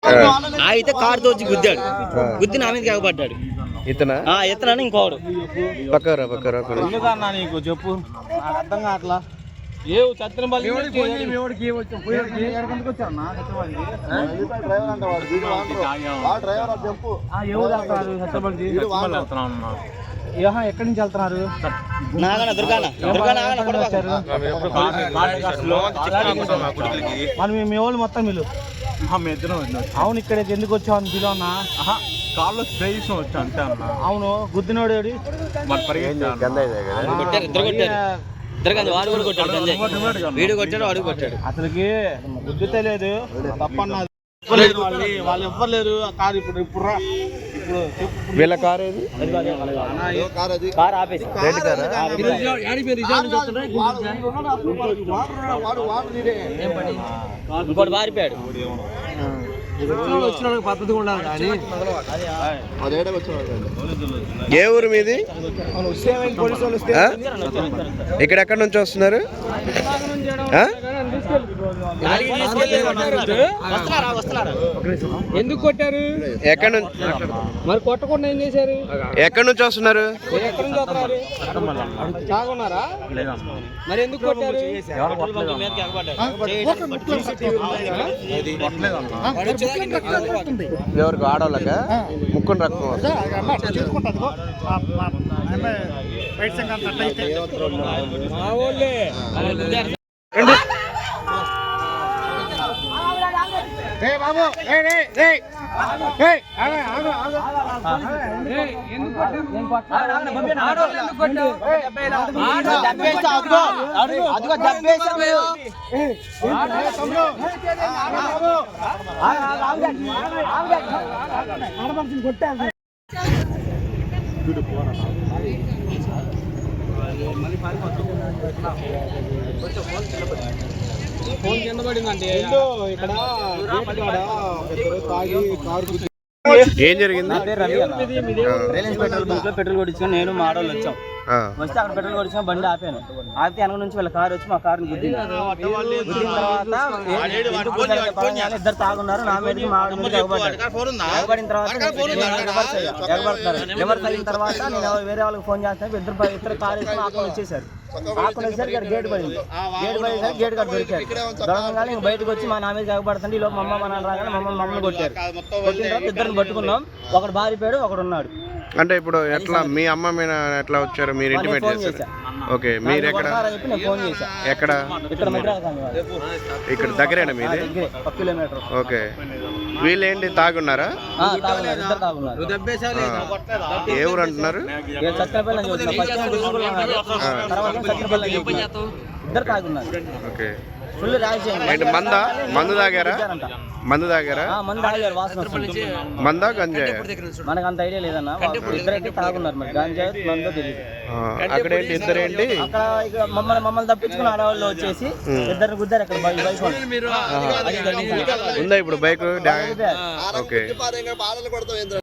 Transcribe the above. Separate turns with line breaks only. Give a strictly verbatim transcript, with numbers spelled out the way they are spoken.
అయితే కారు తోచి గుద్దాడు. గుద్ది నా మీద ఎగబడ్డాడు.
ఇతనా
ఇతనని ఇంకోడు.
పక్కరా పక్కరా
ఎందుకన్నా నీకు చెప్పు, నాకు అర్థం కావట్లా. ఏ చత్రంపల్లి ఎక్కడి నుంచి వెళ్తున్నారు? మరి మీ వాళ్ళు మొత్తం వీళ్ళు అవును ఇక్కడికి ఎందుకు వచ్చావు అని పిలువ అన్నా? కాళ్ళు స్ప్రే చేసిన వచ్చా అంతే అన్న. అవును గుద్దినోడు అసలుకి గుద్దితే లేదు తప్పన్నా. వాళ్ళు ఎవ్వలేరు కారు. ఇప్పుడు ఇప్పుడు
వీళ్ళ కారు ఏది?
కారు ఆపేసి ఇంకోటి పారిపోయాడు.
పద్ధతి ఉండాలి కానీ
ఏ ఊరు మీది? ఇక్కడ ఎక్కడి నుంచి వస్తున్నారు?
ఎందుకు కొట్టారు?
ఎక్కడి నుంచి
మరి కొట్టకుండా ఏం చేశారు?
ఎక్కడి నుంచి వస్తున్నారు?
ఎక్కడి నుంచి వస్తున్నారు? తాగున్నారా? మరి ఎందుకు కొట్టారు?
ఎవరికి ఆడవాళ్ళక ముక్కుని రక్తం
ఫోన్ కింద పడిందండి ఇక్కడ.
ఏం జరిగింది?
రిలయన్స్ పెట్రోల్ బంక్ లో పెట్రోల్ కొట్టించుకొని నేను మా ఆడవాళ్ళు వచ్చాం. వస్తే అక్కడ పెట్రోల్ కొట్టించుకొని బండి ఆపాను. ఆపితే వెనక నుంచి వాళ్ళ కారు వచ్చి మా కారుని గుద్దింది. గుద్దిన తర్వాత ఇద్దరు తాగున్నారు. నా మీద మా ఆవిడ మీద ఎగబడ్డారు. ఎగబడిన తర్వాత ఎగబడతారు. రివర్స్ అయిన తర్వాత నేను వేరే వాళ్ళకి ఫోన్ చేస్తాను. ఇద్దరు ఇద్దరు కారు వేసుకుని ఆకుని వచ్చేసారు. ఆకుని వచ్చేసరికి ఇక్కడ గేట్ పడింది. గేట్ పడేసరికి గేట్ కట్టి దొరికారు. దొరకగానే ఇంక బయటకు వచ్చి మా నా మీద ఎగబడుతుంది. ఈ లోపు మమ్మ మన రాగానే మమ్మల్ని మమ్మల్ని కొట్టారు. కొట్టిన తర్వాత ఇద్దరిని పట్టుకున్నాం. ఒకడు బారిపోయాడు, ఒకడు ఉన్నాడు.
అంటే ఇప్పుడు ఎట్లా మీ అమ్మ మీద ఎట్లా వచ్చారు? మీరు ఇంటిమేట్ చేశారు? ఓకే, మీరు ఎక్కడ? ఎక్కడ? ఇక్కడ దగ్గరేనా మీది? ఓకే, వీళ్ళు ఏంటి తాగున్నారా? ఏ ఊరు అంటున్నారు? ఓకే, ఏంటి మందా? మందు తాగారా? మందు తాగారా? మందా గంజాయ?
మనకు అంత ఐడియా లేదన్నా. ఇద్దరైతే తాగున్నారు. మరి గంజాయి మందో తెలియదు.
అక్కడ ఏంటి ఇద్దరు ఏంటి?
అక్కడ మమ్మల్ని మమ్మల్ని తప్పించుకుని ఆడవాళ్ళు వచ్చేసి ఇద్దరు గుద్దారు. అక్కడ బైక్
ఉందా ఇప్పుడు బైక్? ఓకే.